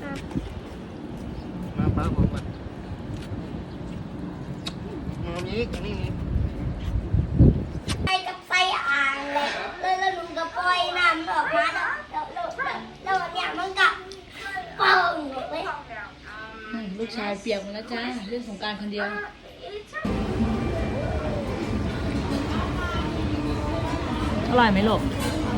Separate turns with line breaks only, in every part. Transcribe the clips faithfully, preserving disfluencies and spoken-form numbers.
มาป้าบอกก่อนมานี้กันนี่
ไฟกับไฟอ่างเลยแล้วแล้วลุงก็ปล่อยน้ำออกมาแล้วแล้วแล้วแล้วเนี่ยมันก็เป่งเลย
ลูกชายเปียกหมดแล้วจ้าเรื่องสงกรานต์คนเดียวอร่อยไหมลูก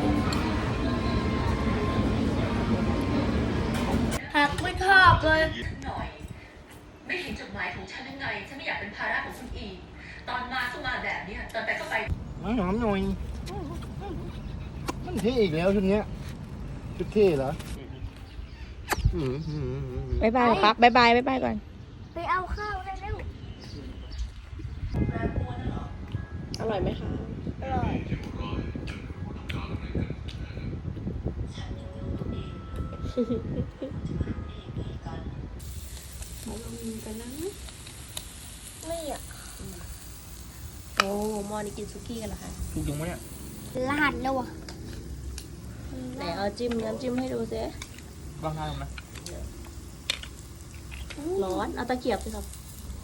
หักไม่ชอบเลย
หน่อยไม่เห็นจดหมายของฉันยังไงฉันไม่อยากเป็นภาระของคุณอีกตอนมาก็มาแบบนี้ตอนไปก็ไป
มาหอมหน่อยมันเท่อีกแล้วชุดเนี้ยชุดเท่เหรอบาย
บายปั๊บบายบายบายบายก่อน
ไปเอาข้าวได้เร็ว
อร่อยไหมคะ
อร่อยไม่อ่ะ
โอ้มอนี่กินซุกี้กันเหรอคะ
ถูกยังไหมเนี่ย
ลาดแล้วอ่ะ
ไหนเอาจิ้มน้ำจิ้มให้ดูซิ
ลองทานดูนะ
ร้อนเอาตะเกียบสิครับ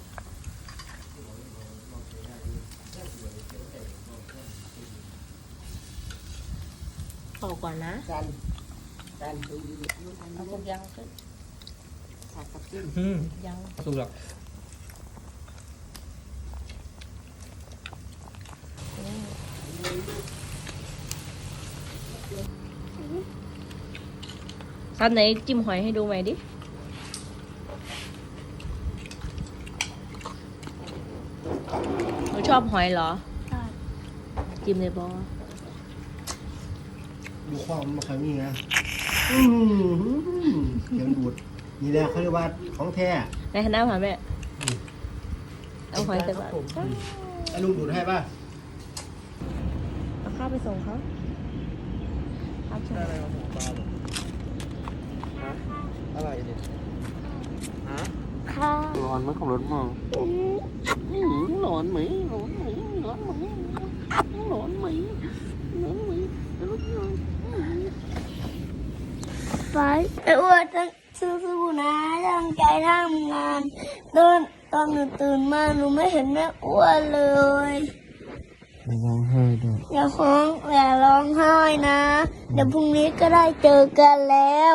เป่าก่อนนะ
กันกัน
เอาพวกยังขึ้นสักกับจิ้มยัง
ถูกหรอ
ซันไหนจิ้มหอยให้ดูไหมดิหนูชอบหอยเหรอ
ใช่
จิ้มเลยบอ
ดูความมาครั้งนี้นะอืมเขียนดูดนี่แหละเขาเรียกว่าของแท้
ในคณะผ่านแม่เอาหอยใส่บาตร
ไอ้ลุงดูดให้ป่ะ
เอาข้าวไปส่งเขาครับใช่
อะไรมาหมูปลาฮะอะไรเนี่ยฮะ
ค่ะ
ร้อนไหมของรถมองร้อนไหมร้อนไหมร้อนไหมร้อนไหมร้อนไหมรถยนต์
ไฟไอ้อ้วนต้องสู้ๆนะตั้งใจทำงานตอนตอนหนูตื่นมาหนูไม่เห็นแม่อ้วนเลย
อย่าร้องไห้ด้วย
อย่าร้องอย่าร้องไห้นะเดี๋ยวพรุ่งนี้ก็ได้เจอกันแล้ว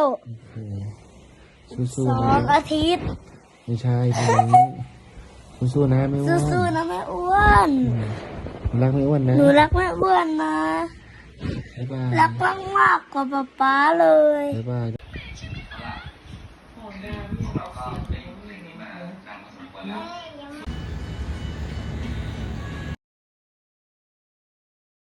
สู้
ๆสองอาทิตย์
ไม่ใช่ทีนี้สู้ๆนะไม่อ้วน
สู้ๆนะแม่อ้วน
รักไม่อ้วนนะ
หนูรักแม่อ้วนนะรักมากมากกว่าป๊าป๊าเลย
บ๊ายบาย
ของน้ำเนี่ยเราเสียง